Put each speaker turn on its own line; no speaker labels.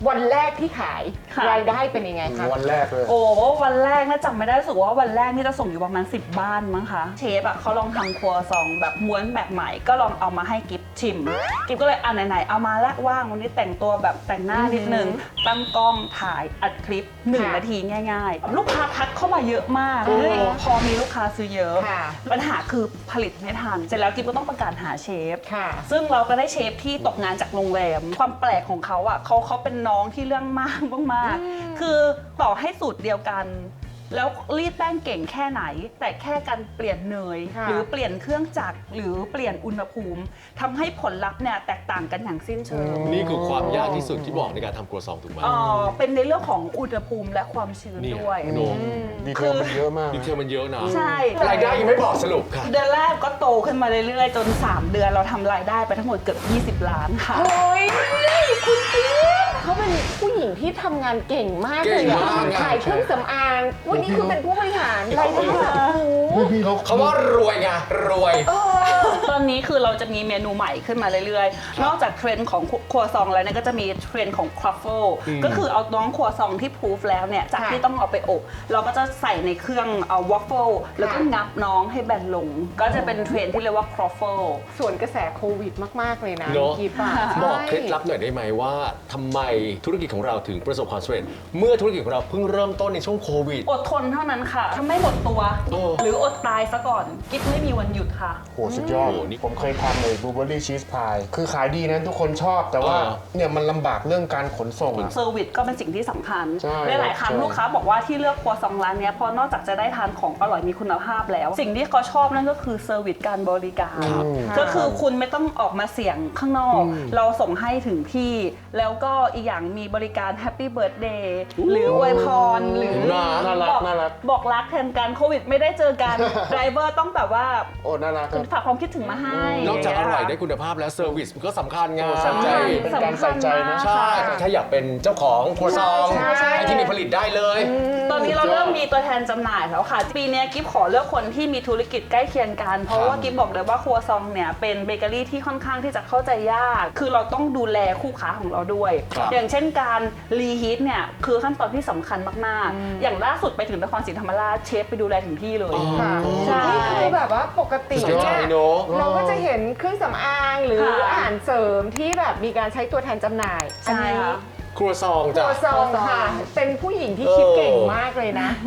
วันแรกที่ขายรายได้เป็นยังไงคะ
วันแรกเลย
โอ้วันแรกน่าจำไม่ได้รู้สึกว่าวันแรกนี่จะส่งอยู่ประมาณ10 บ้านมั้งคะเชฟเขาลองทำครัวซองแบบม้วนแบบใหม่ก็ลองเอามาให้กิฟชิมกิฟก็เลยไหนๆเอามาละว่างวันนี้แต่งตัวแบบแต่งหน้านิดนึงตั้งกล้องถ่ายอัดคลิป1 นาทีง่ายๆลูกค้าทักเข้ามาเยอะมากพอมีลูกค้าซื้อเยอะปัญหาคือผลิตไม่ทันเสร็จแล้วกิฟก็ต้องประกาศหาเชฟซึ่งเราก็ได้เชฟที่ตกงานจากโรงแรมความแปลกของเขาเขาเป็นน้องที่เรื่องมากมากคือต่อให้สูตรเดียวกันแล้วรีดแป้งเก่งแค่ไหนแต่แค่การเปลี่ยนเนยหรือเปลี่ยนเครื่องจักรหรือเปลี่ยนอุณหภูมิทำให้ผลลัพธ์เนี่ยแตกต่างกันอย่างสิ้นเชิง
นี่คือความยากที่สุดที่บอกในการทำครัวซองถูกไหม
เป็นในเรื่องของอุณหภูมิและความชื้นด้วย
ดีเทลมันเยอะมาก
ดีเทลมันเยอะนะ
ใช่
รายได้ยังไม่บอกสรุปค่ะ
เดือนแรกก็โตขึ้นมาเรื่อยๆจน3 เดือนเราทำรายได้ไปทั้งหมดเกือบ20 ล้านค่ะ
โอ้ยคุณกิ๊ฟเขาเป็นผู้หญิงที่ทำงานเก่งมากเลยขายเครื่องสำอางวันนี้คือเป็นผู้บริหารรายได้แบบ
เขาว่ารวยไงรวย
ตอนนี้คือเราจะมีเมนูใหม่ขึ้นมาเรื่อยๆนอกจากเทรนด์ของครัวซองแล้วเนี่ยก็จะมีเทรนด์ของครัฟเฟิลก็คือเอาน้องครัวซองที่พูฟแล้วเนี่ยจากที่ต้องเอาไปอบเราก็จะใส่ในเครื่องเอาวอฟเฟิลแล้วก็งับน้องให้แบนลงก็จะเป็นเทรนด์ที่เรียกว่าครัฟเฟิล
ส่วนกระแสโควิดมากๆเลยนะ
กิ๊บบอกเคล็ดลับหน่อยได้ไหมว่าทำไมธุรกิจของเราถึงประสบความสำเร็จเมื่อธุรกิจของเราเพิ่งเริ่มต้นในช่วงโควิด
อดทนเท่านั้นค่ะถ้าไม่หมดตัวหรืออดตายซะก่อนกิ๊บไม่มีวันหยุดค่ะ
โหสุดยอดผมเคยทำเลยบลูเบอร์รี่ชีสพายคือขายดีนะทุกคนชอบแต่ว่าเนี่ยมันลำบากเรื่องการขนส่ง
เซอร์วิสก็เป็นสิ่งที่สำคัญหลายครั้งลูกค้าบอกว่าที่เลือกครัวซองร้านนี้เพราะนอกจากจะได้ทานของอร่อยมีคุณภาพแล้วสิ่งที่เขาชอบนั่นก็คือเซอร์วิสการบริการก็คือคุณไม่ต้องออกมาเสี่ยงข้างนอกเราส่งให้ถึงที่แล้วก็อีกอย่างมีบริการแฮปปี้เบิร์ธเดย์หรืออวยพรหรือบอกรักแทนกันโควิดไม่ได้เจอกันไดรเวอร์ต้องแบบว่า
โอ้น่ารัก
ฝากความคิดถึงมาให้
นอกจากอร่อยได้คุณภาพแล้วเซอร์วิสก็สำคัญไง
เป็นการใส่ใจนะ
ใช่ถ้าอยากเป็นเจ้าของครัวซองไอ้ที่มีผลิตได้เลย
ตอนนี้เราเริ่มมีตัวแทนจำหน่ายแล้วค่ะปีนี้กิฟขอเลือกคนที่มีธุรกิจใกล้เคียงกันเพราะว่ากิฟบอกเลยว่าครัวซองเนี่ยเป็นเบเกอรี่ที่ค่อนข้างที่จะเข้าใจยากคือเราต้องดูแลคู่ค้าของเราด้วยอย่างเช่นการรีฮีทเนี่ยคือขั้นตอนที่สำคัญมากๆอย่างล่าสุดไปถึงนครศรีธรรมราชเชฟไปดูแลถึงที่เลย
นี่คือแบบว่าปกติเนี่ยเราก็จะเห็นเครื่องสำอางหรืออาหารเสริมที่แบบมีการใช้ตัวแทนจำหน่าย
ใช่ค่ะ
ครัวซอง
ครัวซองค่ะเป็นผู้หญิงที่คิดเก่งมากเลยนะ